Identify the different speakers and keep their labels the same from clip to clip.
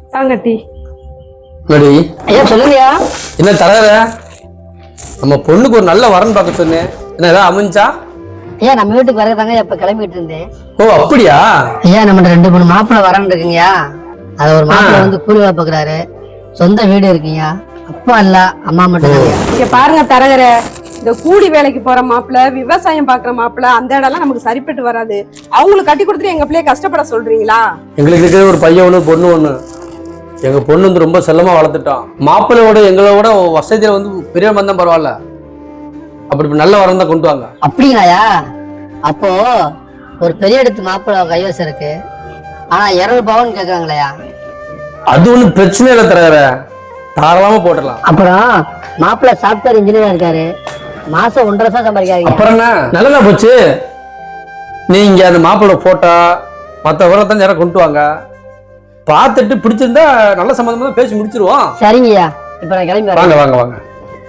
Speaker 1: தாங்கட்டி
Speaker 2: ஐயா சொல்லுங்கய்யா.
Speaker 3: என்ன தரகர நம்ம பொண்ணுக்கு ஒரு நல்ல வரன் பார்க்க சொன்னேன், என்ன ஏதாவது அமைஞ்சா?
Speaker 2: ஐயா நம்ம வீட்டுக்கு வரதாங்க இப்ப கிளம்பிட்டு இருந்தேன்.
Speaker 3: ஓ அப்படியா?
Speaker 2: ஐயா நம்ம 2-3 மாப்பிள்ளை வரன்னு இருக்குங்கய்யா. அது ஒரு மாப்பிள்ளை வந்து கூலி வேலை பாக்குறாரு, சொந்த வீடு இருக்குங்கய்யா, அப்பா இல்ல அம்மா மட்டும்.
Speaker 1: இங்க பாருங்க தரகர, இந்த கூலி வேலைக்கு போற மாப்பிள்ள, விவசாயம் பாக்குற மாப்பிள்ள, அந்த இடம்லாம் நமக்கு சரிப்பட்டு வராது. அவங்களுக்கு கட்டி கொடுத்துட்டு எங்க பிள்ளைய கஷ்டப்பட சொல்றீங்களா?
Speaker 3: எங்களுக்கு இருக்கிற ஒரு பையன் ஒண்ணு பொண்ணு ஒண்ணு. எங்க பொண்ணு வந்து ரொம்ப செல்லமா வளர்த்துட்டோம். மாப்பிள்ளையோட எங்களோட வசதியில வந்து பெரிய வந்தா பரவாயில்ல, அப்படி நல்ல வரம் தான் கொண்டு வாங்க.
Speaker 2: அப்படிங்களாயா? அப்போ ஒரு பெரிய இடத்து மாப்பிள்ளை கைவசம் இருக்கு, ஆனா 200 பவுன் கேக்குறாங்களையா?
Speaker 3: அது ஒண்ணு பிரச்சனை இல்லை தரகர, தாராளமா போட்டுடலாம்.
Speaker 2: அப்புறம் மாப்பிள்ளை சாஃப்ட்வேர் இன்ஜினியரா இருக்காரு, மாசம் 1.5 லட்சம் சம்பாதிக்காரு.
Speaker 3: அப்புறம் என்ன நல்லதா போச்சு. நீங்க அந்த மாப்பிள்ளை போட்டோ மற்ற விவரத்தான் யாரும் கொண்டு வாங்க, பார்த்துட்டு பிடிச்சிருந்தா நல்ல சம்பந்தமா தான் பேசி முடிச்சிருவோம்.
Speaker 2: சரிங்கய்யா, இப்ப நான் கிளம்பி வரேன்.
Speaker 3: வாங்க வாங்க வாங்க.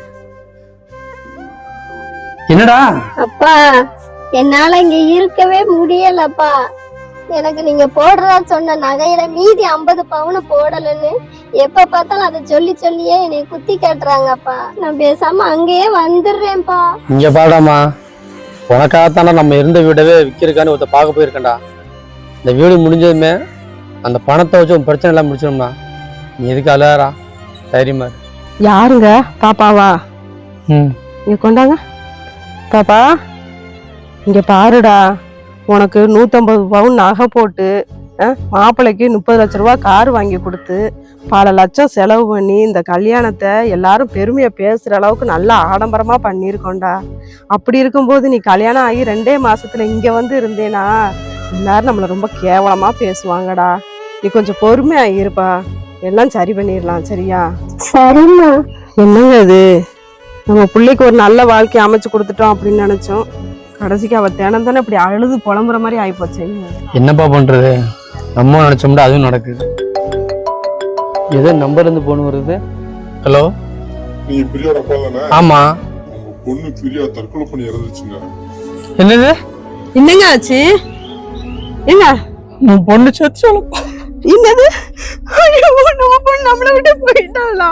Speaker 3: என்னடா?
Speaker 4: அப்பா என்னால இங்க இருக்கவே முடியலப்பா. எனக்கு நீங்க போடுறதா சொன்ன நகையில மீதி 50 பவுன் போடலன்னு எப்ப பார்த்தாலும் அதை சொல்லியே என்னை குத்தி காட்டுறாங்கப்பா. நான் பேசாம அங்கேயே வந்துடுறேன்ப்பா.
Speaker 3: இங்க பாடாமா, உனக்காகத்தானே நம்ம இருந்த வீடவே விற்கிறதுக்கான்னு ஒருத்த பார்க்க போயிருக்கேன்டா. இந்த வீடு முடிஞ்சதுமே அந்த பணத்தை வச்சு உன் பிரச்சனை எல்லாம் முடிச்சிடும்டா. நீ எதுக்கு அழகா தைரியமா?
Speaker 1: யாருங்க? பாப்பாவா? இங்க கொண்டாங்க பாப்பா. இங்க பாருடா, உனக்கு 150 பவுன் நகை போட்டு மாப்பிள்ளைக்கு 30 லட்ச ரூபா கார் வாங்கி கொடுத்து பல லட்சம் செலவு பண்ணி இந்த கல்யாணத்தை எல்லாரும் பெருமையா பேசுற அளவுக்கு நல்லா ஆடம்பரமா பண்ணியிருக்கோண்டா. அப்படி இருக்கும்போது நீ கல்யாணம் ஆகி 2 மாசத்துல இங்க வந்து இருந்தேனா எல்லாரும் நம்மள ரொம்ப கேவலமா பேசுவாங்கடா. நீ கொஞ்சம் பொறுமையா இருப்பா, எல்லாம் சரி பண்ணிடலாம். சரியா?
Speaker 4: சரிம்மா.
Speaker 1: என்னங்க இது, நம்ம பிள்ளைக்கு ஒரு நல்ல வாழ்க்கை அமைச்சு கொடுத்துட்டோம் அப்படின்னு நினைச்சோம், கடைசிக்கு அவ தினம் தானே இப்படி அழுது புலம்புற மாதிரி ஆயிப்போச்சு.
Speaker 3: என்னப்பா பண்றது, நம்ம நினைச்சோம்னா அதுவும் நடக்குது. ஏதோ நம்பர் இருந்து போன் வருது. ஹலோ,
Speaker 5: நீங்க பிரியாட அப்பா தானே?
Speaker 3: ஆமா.
Speaker 5: உங்க பொண்ணு பிரியா தற்கொலை பண்ணி இறந்துச்சுங்க.
Speaker 3: என்னது?
Speaker 1: என்னங்க ஆச்சு? என்ன
Speaker 3: உன் பொண்ணு செத்து?
Speaker 1: என்னது? ஐயோ, நம்ம பொண்ணு நம்மளை விட்டு போயிட்டாளா?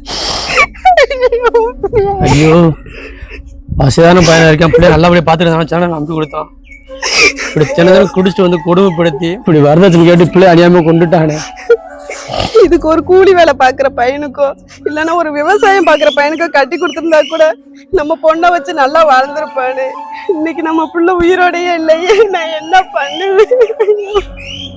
Speaker 3: ஐயோ, வசதியான பையனா இருக்கேன், அப்படியே நல்லபடியா பாத்துட்டு நம்பி கொடுத்தான். இப்படி தினதினம் குடிச்சிட்டு வந்து கொடுமைப்படுத்தி இப்படி வரதட்சணை கேட்டு பிள்ளை அணியாம கொண்டுட்டானே.
Speaker 1: இதுக்கு ஒரு கூலி வேலை பாக்குற பையனுக்கோ இல்லைன்னா ஒரு விவசாயம் பாக்குற பையனுக்கோ கட்டி கொடுத்திருந்தா கூட நம்ம பொண்ணை வச்சு நல்லா வாழ்ந்திருப்பானு. இன்னைக்கு நம்ம புள்ள உயிரோடையே இல்லையே, நான் என்ன பண்ணுவேன்?